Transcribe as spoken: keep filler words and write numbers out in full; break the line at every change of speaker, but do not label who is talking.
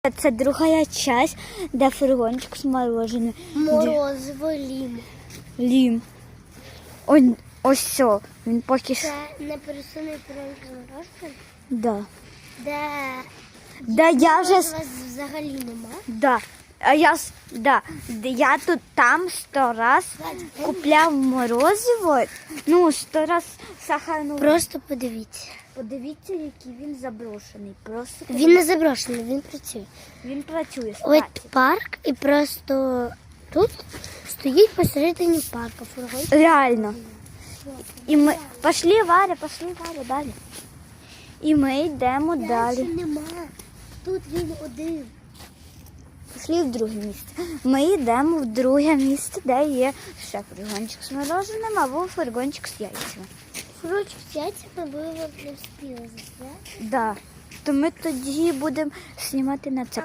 Це друга часть, де фургончик з мороженим.
Морозиво лім.
Лім. Ось, ось все. Він поки що.
Це непересунний фургончик з мороженим?
Да.
Де
Да, я вже...
у вас взагалі нема?
Да. А я, с- да. Де я тут там сто раз купляв морозиво. Ну, сто раз сахарну.
Просто подивіться.
Подивіться, який він заброшений. Просто
Він не заброшений, він працює.
він працює,
Ось
кстати.
парк і просто тут стоїть посередині парку фургончик.
Реально. І ми... Пошли, Варя, пошли, Варя, далі. І ми йдемо далі.
Нема. Тут він один.
Пішли в друге місце. Ми йдемо в друге місце, де є ще фургончик з мороженим або фургончик з яйцями.
Фургончик з яйцями ви не встигли засняти.
Да. То ми тоді будемо знімати на це.